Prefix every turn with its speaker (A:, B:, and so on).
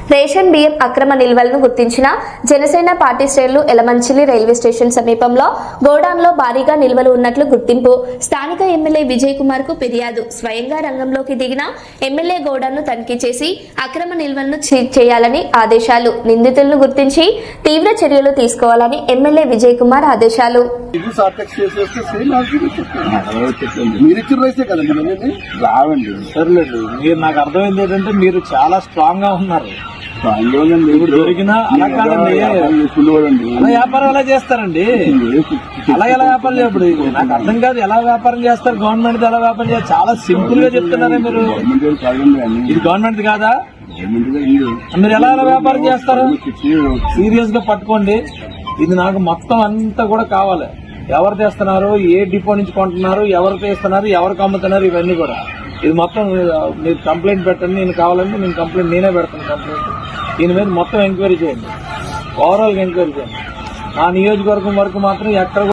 A: Ration బియ్యం అక్రమ నిల్వలను గుర్తించిన జనసేన పార్టీ శ్రేణులు ఎలమంచిలి రైల్వే స్టేషన్ సమీపంలో గోడాన్లో భారీగా నిల్వలు ఉన్నట్లు గుర్తింపు. స్థానిక ఎమ్మెల్యే విజయ్ కుమార్ కు ఫిర్యాదు. స్వయంగా రంగంలోకి దిగిన ఎమ్మెల్యే గోడాన్ను తనిఖీ చేసి అక్రమ నిల్వలను చేయాలని ఆదేశాలు. నిందితులను గుర్తించి తీవ్ర చర్యలు తీసుకోవాలని ఎమ్మెల్యే విజయ్ కుమార్ ఆదేశాలు.
B: రావండి సర్లేదు. మీరు నాకు అర్థమైంది ఏంటంటే మీరు చాలా స్ట్రాంగ్ గా ఉన్నారు. దొరికినా అలా కాదండి, అలా వ్యాపారం ఎలా చేస్తారండి? అలా ఎలా వ్యాపారం చేయప్పుడు నాకు అర్థం కాదు. ఎలా వ్యాపారం చేస్తారు? గవర్నమెంట్ ఎలా వ్యాపారం చేస్తారు? చాలా సింపుల్ గా చెప్తున్నారే మీరు. ఇది గవర్నమెంట్ కాదా? మీరు ఎలా వ్యాపారం చేస్తారు? సీరియస్ గా పట్టుకోండి. ఇది నాకు మొత్తం అంతా కూడా కావాలి. ఎవరు తెస్తున్నారు, ఏ డిపో నుంచి కొంటున్నారు, ఎవరు తెస్తున్నారు, ఎవరికి అమ్ముతున్నారు, ఇవన్నీ కూడా. ఇది మొత్తం మీరు కంప్లైంట్ పెట్టండి. నేను కావాలంటే నేను కంప్లైంట్ నేనే పెడతాను. కంప్లైంట్ దీని మీద మొత్తం ఎంక్వైరీ చేయండి. ఓవరాల్ గా ఎంక్వైరీ చేయండి. ఆ నియోజకవర్గం వరకు మాత్రం ఎక్కడ